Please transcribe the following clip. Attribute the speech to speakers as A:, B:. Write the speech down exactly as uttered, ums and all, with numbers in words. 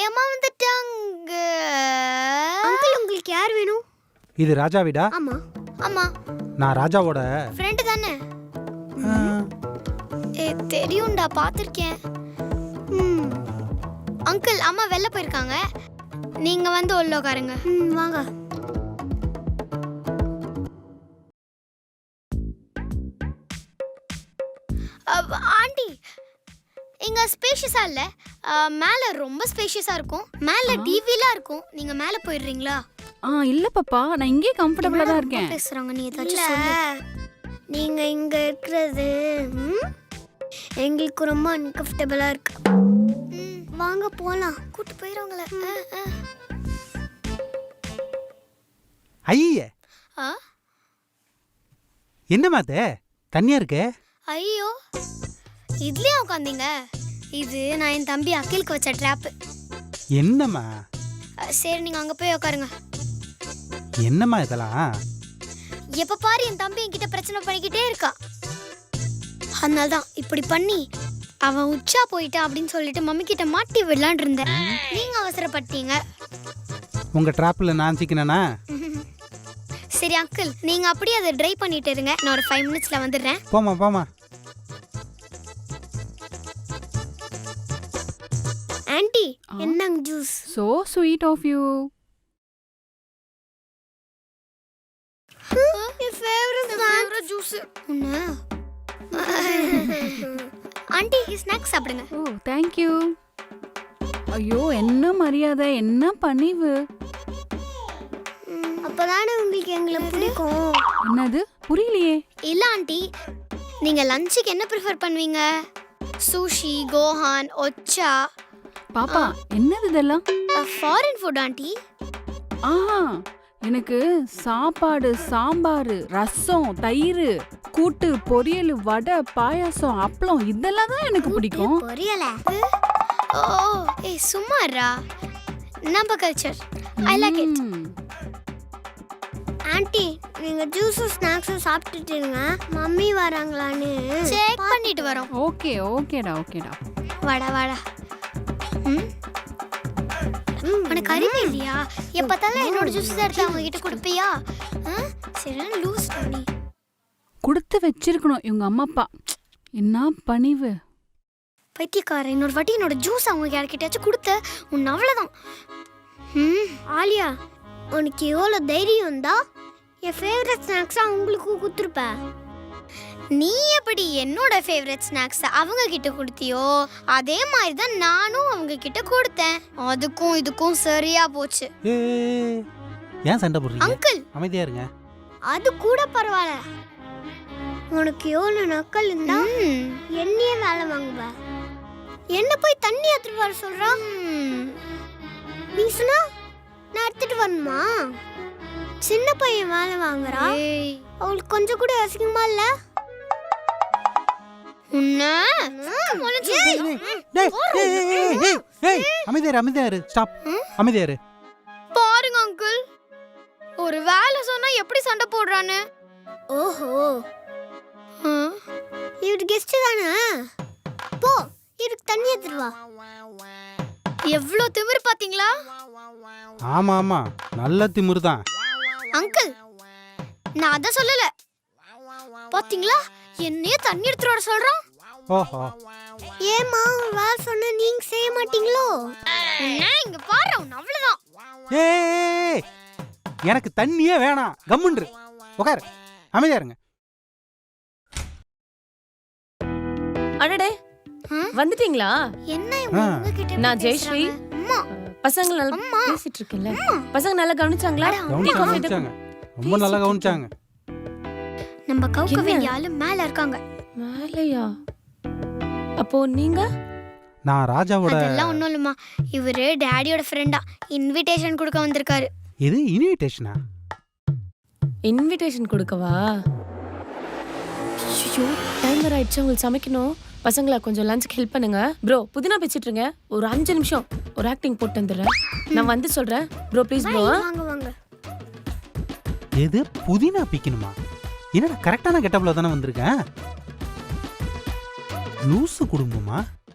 A: அம்மா வந்துட்டாங்க. அங்கிள் உங்களுக்கு யார் வேணும்?
B: இது ராஜா வீடா?
A: ஆமா ஆமா.
B: நான் ராஜாவோட
A: ஃப்ரெண்ட் தானே? ஏ தெரியும்டா, பாத்திருக்கேன். ம் அங்கிள் அம்மா வெளில போயிருக்காங்க, நீங்க வந்து உள்ள உட்காருங்க. ம் வாங்க. ஆண்டி இங்க ஸ்பேஷியஸா இல்ல, மேல ரொம்ப ஸ்பேஷியஸா இருக்கும். மேல டிவிலாம் இருக்கும். நீங்க மேல போயிடுறீங்களா?
C: ஆ இல்ல பாப்பா, நான் இங்கே கம்ஃபர்ட்டபிளா தான் இருக்கேன்.
A: பேசுறாங்க, நீ ஏதாச்சும் சொல்லு. நீங்க இங்க இருக்கிறது எங்களுக்கு ரொம்ப அன்கம்ஃபர்ட்டபிளா இருக்கு. வாங்க போலாம். கூட்டி போயிடுவாங்களே.
B: ஐயே
A: ஆ
B: என்னம்மா அது தண்ணியா இருக்கு?
A: ஐயோ இதுலயே உட்காந்தீங்க. இது நான் என் தம்பி அகிலுக்கு வச்ச ட்ராப்.
B: என்னம்மா?
A: சரி நீங்க அங்க போய் உட்காருங்க.
B: என்னம்மா இதெல்லாம்?
A: எப்ப பாரு என் தம்பி என்கிட்ட பிரச்சனை பண்ணிக்கிட்டே இருக்கா. அதனால தான் இப்படி பண்ணி அவன் உச்சா போயிட்டா அப்படின்னு சொல்லிட்டு மம்மி கிட்ட மாட்டி விடலான் இருந்தேன். நீங்க அவசரப்பட்டீங்க.
B: உங்க ட்ராப்ல நான் சிக்கினேனா?
A: சரி அங்கிள், நீங்க அப்படியே அதை ட்ரை பண்ணிட்டு இருங்க. நான் ஒரு ஃபைவ் மினிட்ஸ்ல வந்துடுறேன்.
B: போமா போமா.
A: ஆண்டி என்னங்க juice?
C: So sweet of you.
A: My favorite favorite juice. உன்ன ஆண்டி ஸ்நாக்ஸ் சாப்பிடுங்க.
C: Oh thank you. ஐயோ என்ன மரியாதை, என்ன பணிவு.
A: அப்பதானே உங்களுக்கு எங்களை பிடிக்கும்.
C: என்னது புரியலையே?
A: இல்ல ஆண்டி, நீங்க லஞ்சுக்கு என்ன ப்ரிஃபர் பண்ணுவீங்க? சுஷி, கோஹான், ஒச்சா?
C: பாப்பா என்னது இதெல்லாம்?
A: Foreign food aunty.
C: ஆஹா, எனக்கு சாப்பாடு, சாம்பார், ரசம், தயிர், கூட்டு, பொரியல், வடை, பாயாசம், அப்பளம் இதெல்லாம் தான் எனக்கு பிடிக்கும்.
A: பொரியல? ஓ ஏய் சும்மாரா, நம்ம culture. I like it. Aunty நீங்க ஜூஸ் ஸ்நாக்ஸ் சாப்பிட்டுட்டீங்க, மம்மி வராங்களான்னு செக் பண்ணிட்டு வரோம்.
C: ஓகே ஓகேடா ஓகேடா.
A: வாடா வாடா. ம் உனக்கு அறிவே இல்லையா? எப்பத்தாலும் என்னோட ஜூஸ் எடுத்து அவங்க கிட்ட கொடுப்பியா? சரி லூஸ் பண்ணி
C: கொடுத்து வச்சிருக்கணும் இவங்க அம்மா அப்பா. என்ன பணிவு.
A: பைத்தியக்கார, இன்னொரு வாட்டி என்னோட ஜூஸ் அவங்க யார்கிட்டயாச்சும் கொடுத்த உன் அவ்வளோதான். ம் ஆலியா, உனக்கு எவ்வளோ தைரியம் இருந்தா என் ஃபேவரட் ஸ்நாக்ஸாக உங்களுக்கு கொடுத்துருப்பேன். நீ எப்படி என்னோட ஃபேவரட் ஸ்நாக்ஸ் அவங்க கிட்ட கொடுத்தியோ அதே மாதிரி தான் நானும் அவங்க கிட்ட கொடுத்தேன். அதுக்கும் இதுக்கும் சரியா போச்சு.
B: ஏன் சண்டை போடுறீங்க?
A: அங்கிள்
B: அமைதியா இருங்க.
A: அது கூட பரவாயில்ல. உனக்கு எவ்வளோ நக்கல் இருந்தா என்னையே வேலை வாங்குவ. என்ன போய் தண்ணி எடுத்துட்டு வர சொல்றான். நீ சொன்னா நான் எடுத்துட்டு வரணுமா? சின்ன பையன் வேலை வாங்குறா, அவளுக்கு கொஞ்சம் கூட அசிங்கமா இல்ல? பாருங்க அங்கிள், ஒரு வேலை சொன்னா எப்படி சண்டை போடுறான்னு. ஓஹோ, இவரு கெஸ்ட் தானே? போ இவருக்கு தண்ணி எடுத்துட்டு வா. எவ்வளவு திமிரு பாத்தீங்களா?
B: ஆமா ஆமா, நல்ல திமிரு தான்.
A: அங்கிள் நான் அத சொல்லல, பாத்தீங்களா என்னையே தண்ணி எடுத்துட்டு வர சொல்றான்.
B: ஓஹோ,
A: ஏமா வேலை சொன்ன நீங்க செய்ய மாட்டீங்களோ? இங்க பாரு, அவ்வளவுதான்.
B: ஏய் எனக்கு தண்ணியே வேணாம், கம்முன்று உட்காரு, அமைதியா இருங்க.
D: அடடே வந்துட்டீங்களா?
A: என்ன இவங்க கிட்ட?
D: நான் ஜெயஸ்ரீ.
A: அம்மா
D: பசங்க நல்லா பேசிட்டு இருக்கேன்ல, பசங்க நல்லா கவனிச்சாங்களா?
B: கவனிச்சாங்க, ரொம்ப நல்லா கவனிச்சாங்க.
A: நம்ம கௌகவின் ஆளு மேல இருக்காங்க.
D: மேலையா? அப்போ நீங்க?
B: நான் ராஜாவோட.
A: அதெல்லாம் ஒண்ணும் இல்லம்மா, இவரு டாடியோட ஃப்ரெண்டா, இன்விடேஷன் கொடுக்க வந்திருக்காரு.
B: இது இன்விடேஷனா?
D: இன்விடேஷன் கொடுக்கவா? ஐயோ டைம் வர ஆயிடுச்சு, உங்களுக்கு சமைக்கணும். பசங்களா கொஞ்சம் லஞ்சுக்கு ஹெல்ப் பண்ணுங்க. ப்ரோ புதினா பேசிட்டு இருங்க, ஒரு அஞ்சு நிமிஷம் ஒரு ஆக்டிங் போட்டு வந்துடுறேன். நான் வந்து சொல்றேன் ப்ரோ, ப்ளீஸ் ப்ரோ.
A: வாங்க வாங்க.
B: எது புதினா பிக்கணுமா? என்னடா கரெக்டான கெட்டப்ல தானே வந்திருக்கேன். லூசு குடும்பமா?